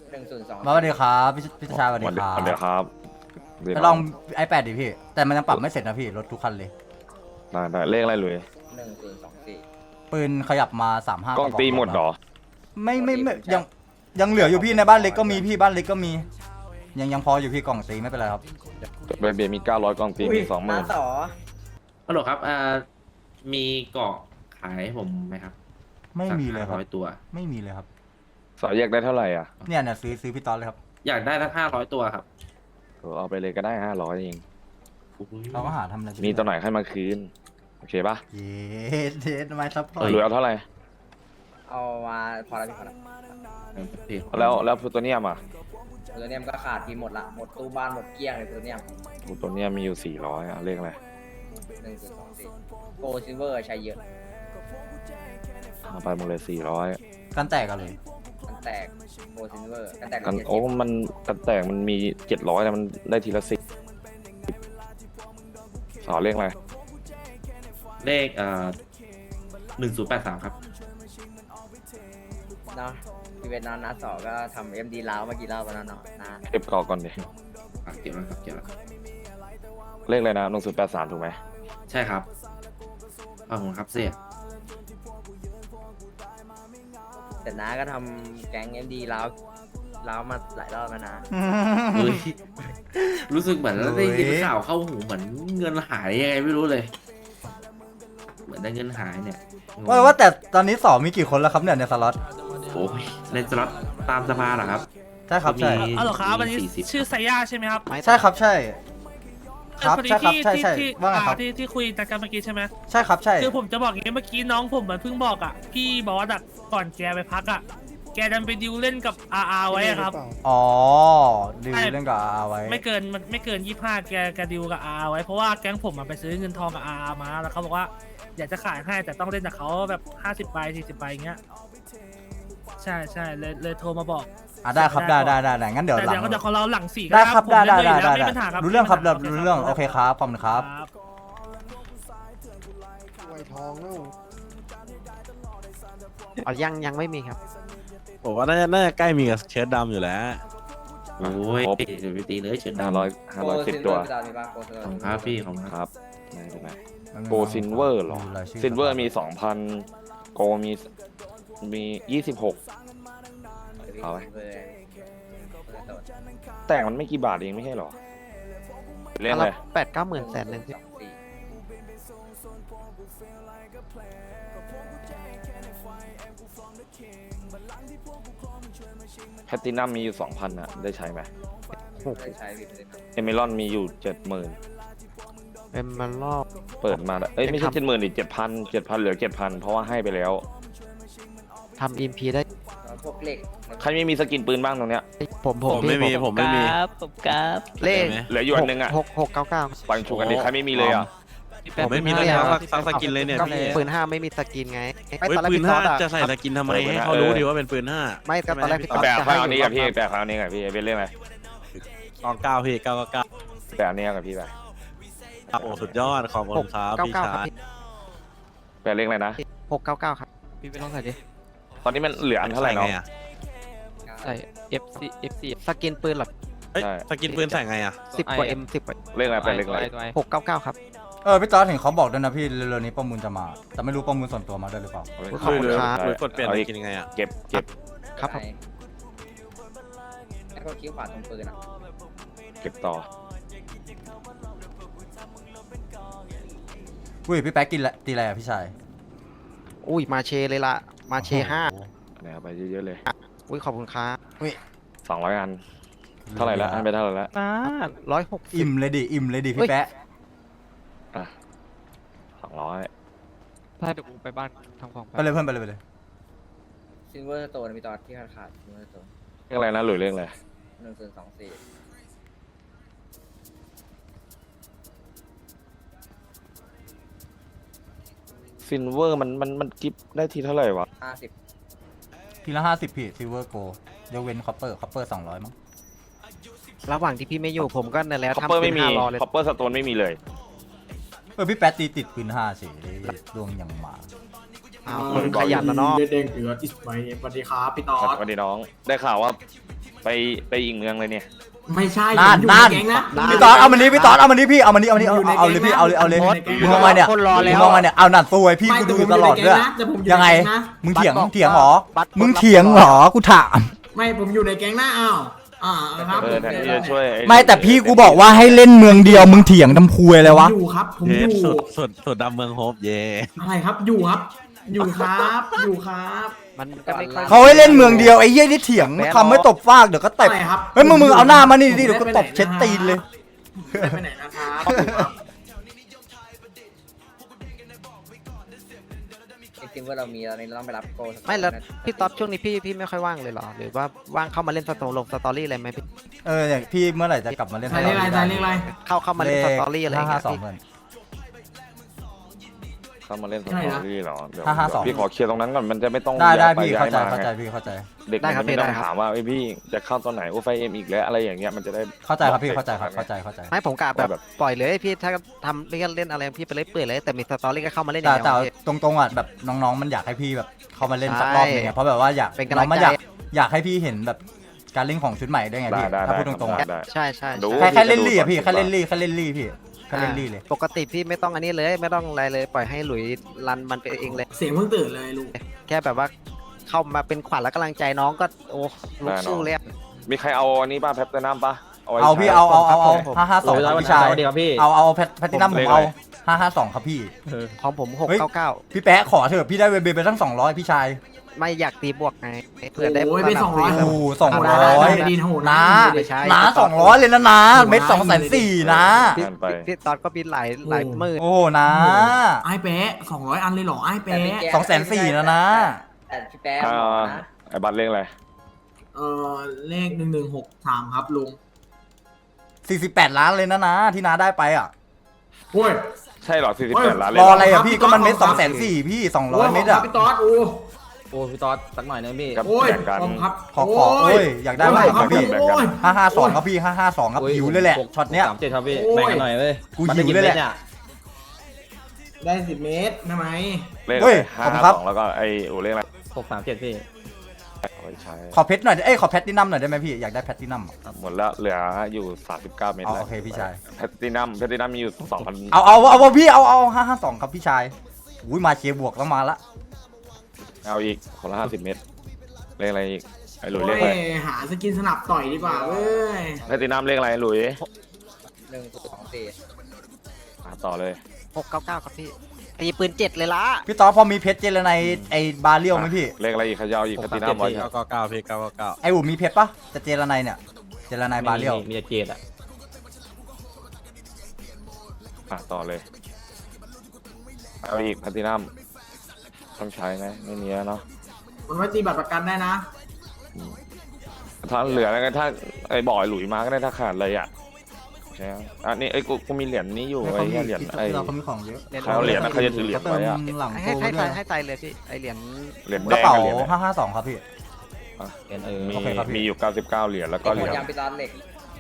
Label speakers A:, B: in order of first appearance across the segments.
A: 1024
B: มาสวัสดีครับพี่ชายสวัสดีครับ
C: สวัสดีครับ
B: ไปลอง iPad ดิพี่แต่มันยังปรับไม่เสร็จนะพี่รถทุกคันเลย
C: ได้เลขอะไรเลย
A: 1024
B: ปืนขยับมา35
C: กล้องตีหมดเหรอ
B: ไม่ยังเหลืออยู่พี่ในบ้านเล็กก็มีพี่บ้านเล็กก็มียังพออยู่พี่กล่องตีไม่เป็นไรครับ
C: เบียร์มี900กล้องตีมี20,000
A: น้าต่อ
D: ฮัลโหลครับมีเกาะขายให้ผมไหมครับ
B: ไม่มีเลยครับ
D: 500ตัว
B: ไม่มีเลยครับ
C: สายแยกได้เท่าไหร่อ่ะ
B: เนี่ยซื้อพี่ตอนเลยครับ
D: อยากได้สัก500ตัวครับ
C: เอาไปเลยก็ได้500เอง
B: เราก็หาทำอะไร
C: มีตัวไหนให้มาคืน โอเคปะ
B: เย็ดทำไมซับพอร์ต
C: หรือเอาเท่าไหร่
A: เอามาพอแล้วพี่พอแล้ว
C: แล้วตัวเนี้ยมา
A: ตัวเนี้ยมันก็ขาดทีหมดละหมดตู้บ้านหมดเกลี้ยงเลยตัวเนี้ย
C: ตัวเนี้ยมีอยู่400อ่ะเลขอะไร
A: 1024โกซิลเวอร์ใช้เยอะ
C: เอาไปหมดเลย400
B: กันแตกกันเลย
A: กันแตกโกซิลเวอร์กันแตก
C: กันโอ้มันกันแตกมันมี700แต่มันได้ทีละ10สอเลขอะไร
D: เลข1083ครับ
A: เนาะพี่เวทน้าต่อก็ทำ MD ล้าวเมื่อกี้เล่าไปแล้วเนาะนะ
C: เก็บกรอกก่อนดิ
D: เก็บแล้วครับเก็บแล้วครับ
C: เลขอะไรนะ1083ถูกไหม
D: ใช่ครับขอบคุณครับเสีย
A: แต่น้าก็ทำแก๊ง MD ล้าวมาหลายรอบแล้วนะ
D: เฮ้ยรู้สึกเหมือนได้ยินข่าวเข้าหูเหมือนเงินหายยังไงไม่รู้เลย เหมือนได้เงินหายเนี่ยงง
B: ว่าแต่ตอนนี้สอมีกี่คนแล้วครับเนี่ยในสล็อต
D: โอ้ยในสล็อตตามสภาเหรอครับ
B: ใช่ครับใช่
D: มี
E: อ๋อเหรอครับอันนี้
D: 40
E: ชื่อไซย่าใช่ไหมครับ
B: ใช่ครับใช่ครับ
E: พอดี
B: ใช่ครับ
E: ที่
B: ใช่ใช่
E: ที่
B: ว่าไงครับ
E: ที่คุยกันเมื่อกี้ใช่ไหม
B: ใช่ครับใช่
E: คือผมจะบอกอย่างนี้เมื่อกี้น้องผมเหมือนเพิ่งบอกอ่ะพี่บอสอ่ะก่อนแกไปพักอ่ะแกดันไปดิวเล่นกับอาไว้อะครับ
B: อ๋อดิวเรื่องกับอาไว้
E: ไม่เกิน25แกดิวกับอาไว้เพราะว่าแก๊งผมอะไปซื้อเงินทองกับอามาแล้วเขาบอกว่าอยากจะขายให้แต่ต้องเล่นกับเขาแบบ50ใบ40ใบอย่างเงี้ยใช่เลยโทรมาบอก
B: ได้ครับได้งั้นเดี๋ยว
E: แต่
B: หลั
E: เดี๋ยว
B: ง
E: ก็เดี๋ยวของเราหลัง4
B: ได้ครับ
E: ผม
B: ได้
E: เล่นอยู่แล้วไม่มีปัญหาครับ
B: รู้เรื่องครับ
E: ไม่มีปัญหา
B: รู้เรื่องโอเคครับขอบคุณครับ
F: ไวทองแล้ว
G: อ๋อยังไม่มีครับ
H: ผมว่าน่าจะใกล้มีกับเชิ้ตดำอยู่แล้ว
D: โอ้ยเดี๋ยวไปตีเลยเฉินดำ
C: 510ตัว
A: โกซิลเวอร์พี่ตอนมีป่ะโกซิลเวอ
D: ขอบ
A: ร์
D: คุณครับพี่ของครับ
C: ครับไม่เป็นไรโกซินเวอร์หรอซินเวอร์มี 2,000โกมี26 เอาไว้ แต่งมันไม่กี่บาทเองไม่ใช่หรอเล่นเลย
G: 8-9 หมื่นแสนหนึ่งพี่
C: แพตตินัมมีอยู่ 2,000นะได้ใช้ไหม
A: ได้ใช้พี่เลยนะ
C: เอเมรอนมีอยู่ 70,000
G: เป็นมันรอบ
C: เปิดมาแล้วเอ้ยไม่ใช่70,000ดิ7,000เหลือ 7,000 เพราะว่าให้ไปแล้ว
G: ทำอิมพีได้
A: พวกเหล็ก
C: ใครไม่มีสกินปืนบ้างตรงเนี้ย
G: ผม
H: ผมไม่มี
G: เลข
C: เหลืออยู่อันนึงอ่ะ
G: 699
C: ปังชูกันดิใครไม่มีเลยอ่ะ
H: ผมไม่มีเลยครับซักสกินเลยเนี่ย
G: ก็
H: พี่
G: ปืน5ไม่มีสกินไงไม่
H: เฮ้ย
G: ตอนแรก
H: ปืน
G: พี่ตอ
H: 5
G: ดอะ
H: จะใส่สกินทำไมให้เขารู้ดีว่าเป็นปืน5
G: ไม่ก็ตอนแรกพี่ตอด
C: แปะ
G: จะ
C: ข้า
G: ให้
C: วนี้กับพี่
G: อยู่
C: แปะข้าวนี้กับพี่เป็นเรื่องอะไร
H: 9พี่999
C: แปะอันนี้กับพี่ไป
H: โอ้สุดยอดขอบคุณครับพี่
G: 699
H: ชา
G: ครับ
H: ย
G: พี่
C: แปะเลขอะไรนะ
G: 699ครับพี่ไปลองใส่ดิ
C: ตอนนี้มันเหลืออันเท่าไหร่เนาะ
H: ใส่ไงอะ
G: ใส่ FC สกินปืนหรอ
H: เฮ้ย
C: ใช่
H: สกินปืนใส่ไงอะ
G: 10 กว่า M 10 กว่า
C: เลขอะไรแปะเลขอะไร
G: 699 ครับ
B: พี่ตอนเห็นเขาบอกด้วยนะพี่เร็วๆนี้ประมูลจะมาแต่ไม่รู้ประมูลส่วนตัวมาด้วยหรือเปล่า
G: ขอบคุณครับ
H: หรือกดเปลี่ยนสกินยังไงอะ
C: เก็บ
G: ครับผม
A: แล้วก็คิ้วขวาตรงปืนอ่ะ
C: เก็บต่อ
B: อุ้ยพี่แป๊กกินละตีอะไรอ่ะพี่ชาย
G: อุ้ยมาเชเลยล่ะมาเช
B: โอ้โห
C: นะครับไปเยอะๆเลย
G: 5อุ้ยขอบคุณครับ
C: 200 อันเท่าไหร่แล้วอันไปเท่าไหร่แล้ว
G: 160
B: อิ่มเลยดิพี่แป๊ะ
C: อ่ะ200
G: ถ้าเดี๋ยวกูไปบ้านทำของ
B: ไปเลยเพื่อนไปเลย
A: ซิลเวอร์สโตนมีตอนที่ขาดซิลเวอร์สโตน
C: เลขอะไรนะหรือเลขอะไร
A: 1024
C: ซินเวอร์มันกิฟได้ทีเท่าไหร่วะ
A: 50
B: ทีละ50พี่ซิลเวอร์โกยกเว้นคอปเปอร์200มั้ง
G: ระหว่างที่พี่ไม่อยู่ผมก็นั่นแหละ
C: คอป
G: ทำ
C: เปอร์
G: เป็
C: ไม่
G: น
C: มี
G: 5รอเลย
C: คอปเปอร์สโตนไม่มีเลย
B: พี่แป๊ะตีติดปืน5เฉยดวงยังมา
G: อ้าวคนขยันนะเนาะ
F: เด้งๆเหลืออิสไมสวัสดีครับพี่ตอ
C: ส
F: ด
C: วัสดีน้อง ได้ข่าวว่าไปอีกเมืองเลยเนี่ย
F: ไม่ใช่
B: นั่น
F: ผมอยู่
B: นั่น
F: ใแก๊งนะ
B: พี่ตอนเอามันนี้พี่ตอนเอามันนี้พี่เอามันนี้เอาเลยพี่เอาเลย
F: ผม
B: มึงเอามาเนี่ย
G: คนรอ
B: มึ
G: แล้
B: ง
G: ว
B: เอามาเนี่ยเอานั่นซวยพี่
F: ไม่
B: กู
F: แต่
B: ดู
F: ผม
B: ตลอดด้วย
F: แต่ผมอยู่
B: ยังไง
F: ในแก๊งนะ
B: มึงเถียง
G: บัตรบอก
B: เถียงเหรอ
G: บัตร
B: มึงเถียงเหรอกูถาม
F: ไม่ผมอยู่ในแก๊งนะอ้าวครับ
C: แทนที่จะช่วยอ้
B: ไม่แต่พี่กูบอกว่าให้เล่นเมืองเดียวมึงเถียงทำคุยอะไรวะ
F: อยู่ครับผม
H: เย
F: อยู่
H: สุดดำเมืองโฮปเย่
F: อะไรครับอยู่ครับ อยู่ครับอยู่ครับ
G: มันก็ไม่ค่อย
B: เขาให้เล่นเมืองเดียวไอ้เหี้ยนี่เถียงคำไม่ตบฟากเดี๋ยวก็เตะ
F: อะไรครับ
B: เฮ้ยมึงเอาหน้ามานี่ดิเดี๋ยวก็ตบเช็ดตีนเลย
F: ไม่ไปไหนนะครับ
A: ไอ้ทีมว่าเรามีตอนนี้เราต้องไปรับโกสัก
G: ไม่แล้ว
A: นะ
G: พี่ต๊อดช่วงนี้พี่ไม่ค่อยว่างเลยเหรอหรือว่าว่างเข้ามาเล่นสตอรี่อะไรไหมพี่
B: เนี่ยพี่เมื่อไหร่จะกลับมาเล่น
F: ใส่เลขอะไรใส่เลขอะไร
G: เข้ามาเล่นสตอรี่อะไรอย่างเงี้ย
B: 552
G: พี่
B: เพื่อน
C: เข้ามาเล่นส
F: ใช่
C: ต
F: นะ
C: อรี่เหรอเดี๋ยว
B: 552
C: พี่ขอเคลียร์ตรงนั้นก่อนมันจะไม่ต้อง
B: ได้
C: ย้ายไป
B: พี่
C: ย้า
B: เข้าย ใจ
C: มา
B: เข้าใจ
C: ไง
B: พี่เข้าใจ
C: เด็กมันจะไม่ต้องถามว่าไอ้พี่จะเข้าตอนไหนโอ้ไฟเอ็มอีกแล้วอะไรอย่างเงี้ยมันจะได้
B: เข้าใจครับพี่เข้าใจครับเข้าใจเข้าใจ
G: ไม่ผมกะแบบปล่อยเลยพี่ถ้าทำเล่นอะไรพี่ไปเล่นเปื่อยเลยแต่มีสตอรี่ก็เข้ามาเล่นอย่าง
B: แต่
G: เดียวพี่
B: ตรงๆอ่ะแบบน้องๆมันอยากให้พี่แบบเข้ามาเล่นสัก
G: ใช่
B: รอบหนึงอะเพราะแบบว่าอยาก
G: เป็นกำลัง
B: น้องมัน
G: ใจ
B: อยากให้พี่เห็นแบบการเล่นของชุดใหม่ด้วยไง
C: ได้
B: พี่
C: ได้
B: ถ้า
C: ได้
B: พูดตรงๆ
C: ได้
B: อะ
C: ได้
G: ใช่ใช่
C: ดู
G: ใช่
B: แค่เล่นลี่อะพี่แค่เล่นลี่แค่เล่นลี่พี่แค่เล่นลี่เลย
G: ปกติพี่ไม่ต้องอันนี้เลยไม่ต้องอะไรเลยปล่อยให้หลุยรันมันไปเองเลย
F: เสียงเพิ่งตื่นเลยลุง
G: แค่แบบว่าเข้ามาเป็นขวัญและกำลังใจน้องก็โอ้ลุกสู้เลยอะ
C: มีใครเอาอันนี้ป่ะแพปเตอร์น้ำป่ะไว้
B: เอาพี่
C: ใช้
B: เอา
G: ผม
B: 552ครับพี่ชายเอาแพทตินัมผมเอา552ครับพี่
G: ของผม
B: เฮ้ย
G: 699
B: พี่แป๊ะขอเถอะพี่ได้เวเบไปตั้ง200พี่ชาย
G: ไม่อยากตีบวกไงเผื่อได้
F: โอ้ยไป
G: สนับ
F: 200
B: โอ้200
F: ได้ดีโหด
B: นะ
G: ไม่ใช่
B: นะ200เลยนะนะเม็ด240,000นะ
G: พี่
C: นั่นไป
G: พี่ตอนก็บินหลายหมื่น
B: โอ้นะ
F: ไอ้แปะ200 อันเลยเหรอไอ้
A: แต่พี่
F: แปะ
A: แก
B: 240,000นะ
A: แต่พี่แป๊ะ
C: อ่า
A: บอกนะ
C: ไอ้บัตรเลขอะไร
F: เลข1163ครับลุง
B: 48 ล้านเลยนะที่น้าได้ไปอ่ะ
F: โอ้ย
C: ใช่เหรอ48ล้านเลย
B: ร
C: เห
B: อ
C: รอ
B: อะไรอ่ะพี่
F: พี่
B: ก็มันเม็ด
F: ต๊อด
B: 240,000พี่200 เม็ดอ่ะ
F: พี่ต๊อดโอ้
A: โอ้พี่ต๊อดสักหน่อยนึงพี่
C: ครับ
F: โอ้ย
C: แบ่งกัน
F: ผมครับ
B: ขอโอ้ยอยากได้มากครับพี่
C: แบ่งกัน
F: โอ้ย
B: 552ครับพี่552ครับหิวเลยแหละช็อตเนี้ย
A: 37ครับพี่
F: โอ้ย
A: แบ่งกันหน่อยเว้ย
B: กูหิวเลยแหละ
F: ได้10 เมตรทำไม
C: เลข
B: เฮ้
C: อะไร
B: ยขอบคุณครับ
C: 552แล้วก็ไอ้โอ้เลขอะไร
A: 637พี่
C: เอาไว้ใช้
B: ขอเพชรหน่อยขอแพทตินัมหน่อยได้ไหมพี่อยากได้แพทตินัม
C: หมดแล้วเหลืออยู่39เมตร
B: เอา
C: แล้ว
B: โอเคพี่ชาย
C: แพตตินัมมีอยู่2,000
B: เอาพี่เอา552ครับพี่ชายอุ้ยมาเชียร์บวกแล้วมาละ
C: เอาอีกคนละ50 เมตรเลขอะไรอีกไอ้หลุย
F: โอ้
C: เลขอะไร
F: ยหาสกินสนับต่อยดีกว่าเว้ย
C: แพตตินัมเลขอะไรหลุย
A: 124
C: ต่อเลย
G: 699ครับพี่ตีปืน7เลยละ
B: พี่ต๊อดพอมีเพชรเจรไนไอบาเรียวไหมพี่
C: เลขอะไรอีกขยาวอีกแพตตินัมไว้
H: 999พี่999
B: ไออูมีเพชรปะจะเจรไนเนี่ยเจรไนบาเรียว
A: มีแต่เจดอะ
C: ต่อเลยเอาอีกแพตตินัมต้องใช้ไหมไม่มีแล้วเนาะ
F: มันไว้ตีบัตรประกันได้นะ
C: ถ้าเหลือแล้วก็ถ้าไอ้บ่อยหลุยมาก็ได้ถ้าขาดเลยอ่ะใช่ไหมอันนี้ไอ้กูมีเหรียญนี้อยู่ไอ้เหรียญไอ้
B: เราเขามีของเยอะ
C: เขาเหรียญนะเขาจะถือเหรียญไว้อะ
B: หลัง
G: ให้
B: โต
G: ให้
B: ด้วย
G: ให้ใจเลยพี่ไอเหรียญ
C: เหรียญ
B: ก
C: แด
B: ระ
C: ง
B: เป๋า
C: กับเหรียญอะไร
B: 552ครับพี่
C: มี
B: โอเคครับพี่
C: มีอยู่99เหรียญแล้วก็
A: ห
C: เห
A: ม
C: รี
A: ด
C: ยญ
A: ยังพี่ต๊อดเหล็ก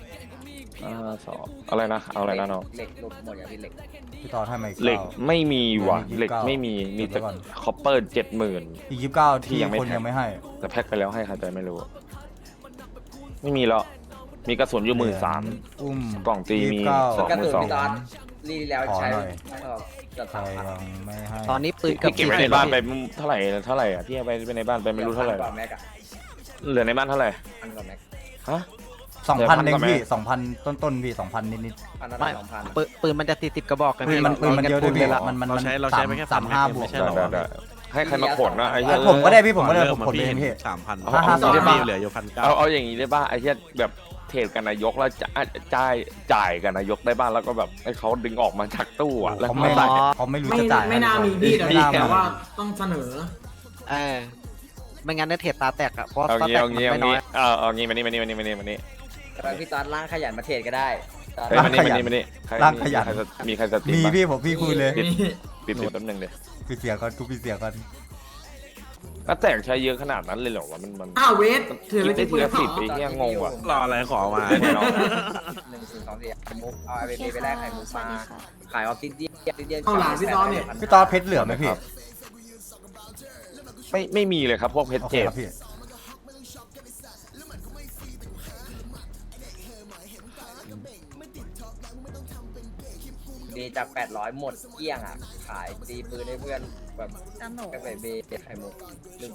C: 52อะไรนะเอาอะไรนะน้อง
A: เหล็กหลุดหมดอย่างพี่เหล็ก
B: พี่ต๊อดให้มาอีก
C: เหล็ก
B: 9
C: ไม่มีว่ะ
B: มี29
C: เหล็กไม่มีมีแต่
B: เดี๋ยวก่อน
C: คอปเปอร์70,000
B: อีก29
C: ที่
B: ที่
C: ยังไม่
B: คน
C: แท็ก
B: ยังไม่ให้
C: แต่แพ็คไปแล้วให้ใครใจไม่รู้ ไม่มีแล้วมีกระสุนอยู่13,000
B: อุ้ม
C: กล่องตีมี
B: 29
C: สอง
A: กระสุน
C: 12,000
A: พี่ต๊อดรีแล้วใช้
B: ขอหน่อย
A: เกือบ
B: ใคร
A: 3,000
B: ยังไม่ให้
G: ตอนนี้ปืนเกือบ
C: พี่เก็บไว้ในบ้านไปเท่าไหร่อ่ะพี่เอาไปในบ้านไปไม่รู้เท่าไหร่
A: กว่าแม็กอะ
C: เหลือในบ้านเท่าไหร่
A: พันกว่าแม็ก
C: ฮะ
B: 2,000เอง
C: เดี๋ยว
B: พี่
C: พันกว่าไหม
B: 2,000 ต้นๆพี่ 2,000 นิด
A: พันละ2,000
G: ปืนมันจะ40กระบอกกัน
B: ๆปืนมันเยอะด้วยพี่มัน
H: เราใช้ไปแค่
B: 35บวก
H: ไม่ใช่หรอ
C: ได้ให้ใครมาขนนะไอ้เหี้ย
B: ผมก็ได้พี่ผมก็ได้
H: เริ่
B: ผมเองพี่
H: 3,000
B: 552
H: พี่เหลืออยู่1,900
C: เอาอย่างนี้ได้ป่ะไอ้เหี้ยแบบเทรดกันนายกแล้วจ่ายกันนายกได้บ้างแล้วก็แบบให้เขาดึงออกมาจากตู้อ่ะแล้ว
B: เขา
C: มา
B: ไม่
C: ใส่
B: เขาไม่รู้
F: ไม่
B: จะจ่าย
F: ไม่น่ามีพี่
B: ไม่น่า
F: แต่
B: มี
F: ว่าต้องเสนอ
G: ไม่งั้นเนี่ยเทรดตาแตกอ่ะเพราะ
C: เอา
G: ตา
C: งี้
G: แตก
C: เอา
G: มัน
C: งี้เอา
G: ไม่น้อ
C: งี้
G: ย
C: เอางี้มานี่
A: แต่พี่ต๊อดล่างขยันมาเทรดก็ได้
C: เฮ้ยมานี่ใคร
B: ร่างขยัน
C: มีใครสตรีม
B: มี
C: บ้าง
B: พี่ผมพี่คุยเลย
C: ปิดแป๊บนึงเดี๋ยว
B: พี่เสียก่อนทุกพี่เสียก่อน
C: แล้วแตกใช้เยอะขนาดนั้นเลยเหรอวะมัน
F: อ้าวเวทถือ
C: คิ
F: แล้
C: ด
F: ว
C: ได้
F: จะ
C: ที
F: ปืน
C: ละ
F: เหรอ
C: 10ไอ้เหี้ยงงว่ะ
H: รออะไรขอมา
C: เนี่ยเนาะ
A: 1 2 3 4มุกเอาไอเบไปแลกไข่มุกมาขายออฟซิเดียน
F: เอาหลานพี่ต๊อดเนี่ย
B: พี่ต๊อดเพชรเหลือไหมพี่
C: ไม่มีเลยครับพวกเพชร
B: โอเค
C: เจ็ด
B: ครับพี่
A: มีจาก 800 หมดเกลี้ยงอ่ะ ขายตีปืนให้เพื่อนแบบ
I: จำหนู
A: กาแฟเบย์ไข่มุกลืม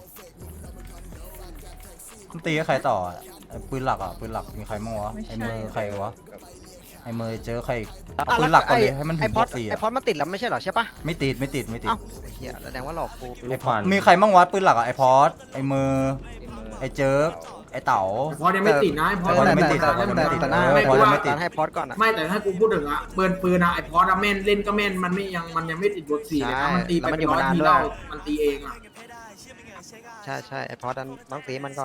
B: มันตีกับใครต่ออะไอ้ปืนหลักอ่ะปืนหลักมีใครมั่งวะไอ้มือใครวะไอ้มือเจอใครอีกเอาปืนหลักก่อนเลยให้มันถึ
G: ไอง พ
B: บ
G: อ
B: ว
G: ด
B: กสี่
G: ไอ
B: อะ
G: พอดมันติดแล้วไม่ใช่เหรอใช่ปะ
B: ไม่ติดไม่ติดไม่ติด
G: เอ้าไอ้เหี้ยแสดงว่าหลอกกู
B: ไอ้พอดมีใครมั่งวะปืนหลักอ่ะไอ้พอดไอ้มือ
A: ที่มือ
B: ไอ้เจิร์กไอ้เต๋า
F: พอยังไม่ติดนะไอ้พอ
B: พอยังไม่ติด
G: แต่หน้า
B: พอยังไม่ติด
G: ให้พอดก่อนอะ
F: ไม่แต่ถ้ากูพูดถึงอะปืนอะไอ้พออะแม่นเล่นก็แม่นมันยังไม่ติดบทสี่เลยนะมันตีไปเป็นร้อยทีเรามันตีเองอะ
G: ใช่ไอพอดนั้นต้องตีมันก่อน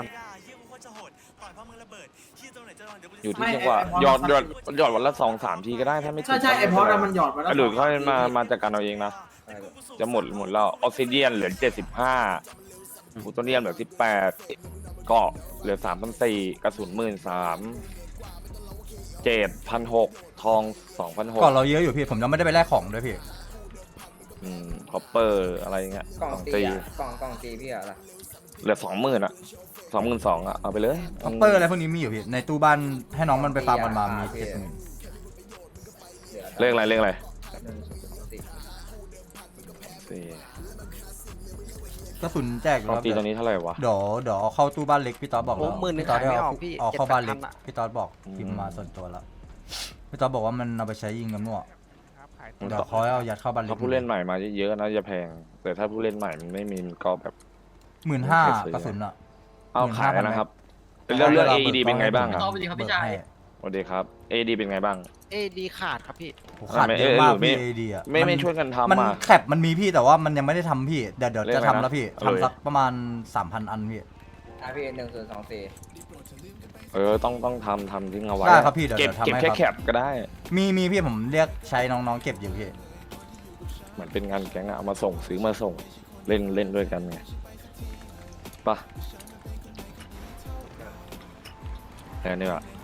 C: อยู่ที่จังหวะหยอดวันละ2-3 ทีก็ได้ถ้าไม่ติด
F: ใช่ไอ้พออะมันหยอดมาแล้ว
C: หรือค่อยมาจัดการเอาเองนะ จะหมดแล้วออสซิเดียนเหลือ75ฟูโตเนียมเหลือ18เกาะเหลือ3,400กระสุน13,000 7,600ทอง 2,600
B: ก่อนเราเยอะอยู่พี่ผมยังไม่ได้ไปแลกของด้วยพี่
C: คอปเปอร์อะไรเงี้ย
A: กล่อง
C: ของ
A: ตี
C: ตี
A: อ่ะกล่องตีพี่อะไร
C: เหลือ 20,000อ่ะ 22,000อ่ะเอาไปเลย
B: คอปเปอร์อะไรพวกนี้มีอยู่พี่ในตู้บ้านให้น้องมันไปฟาร์มกันมามี
A: เหลือ
C: เลขอะไร
A: 1 0 2
C: 4
B: กระสุนแจกอยู่
C: ของ
B: แล้ว
C: ตีตอนนี้เท่าไหร่วะ
B: เดี๋ยวเอาเข้าตู้บ้านเล็กพี่ต๊อดบอก
G: โอ้
B: แล้ว
G: หมื่นหนึ่ง
B: พี่ต๊อด
G: ขายไม่
B: ได้
G: ออกพี่
B: เอาเข้าบ้านเล็ก
G: 7,000อะ
B: พี่ต๊อดบอกพิมพ์มาส่วนตัวแล้วพี่ต๊อดบอกว่ามันเอาไปใช้ยิงกันมั่วเดี๋ยวเขาให้เอายัดเข้าบ้านเล็
C: ถ้าก ผู้เล่นใหม่มาเยอะๆนะจะแพง แต่ถ้าผู้เล่นใหม่มันไม่มีมันก็แบบ
B: 15,000กระสุนอ่ะ
C: เอาขายนะครับ
B: 15,000
C: เรื่อง AED เป็นไงบ้างครับ
B: สวัสดีครับพี่ชาย
C: สวัสดีครับ AED เป็นไงบ้าง
G: เอดีขาดครับพี่
B: ขาดเยอะมาก
C: ไม่
B: พี่ AD อ่ะ
C: ไม่ช่วยกันทำ
B: มัน
C: อ่ะ
B: แคปมันมีพี่แต่ว่ามันยังไม่ได้ทำพี่เดี๋ยว
C: เรียก
B: จะ
C: อะไร
B: ทำ
C: นะ
B: แล้วพี่
C: เอาเลย
B: ทำสักประมาณ 3,000 อันพี่
A: พี่1024
C: ต้องทำทิ้งเอาไว้
B: ได้ครับพี่เดี๋ยว
C: เก็บ
B: ทำให้
C: แค่
B: ครับ
C: แคปก็ได้
B: มีพี่ผมเรียกใช้น้องๆเก็บอยู่พี่
C: เหมือนเป็นงานแก๊งอะเอามาส่งซื้อมาส่งเล่นด้วยกันไงป่ะแค่นี้ว่ะ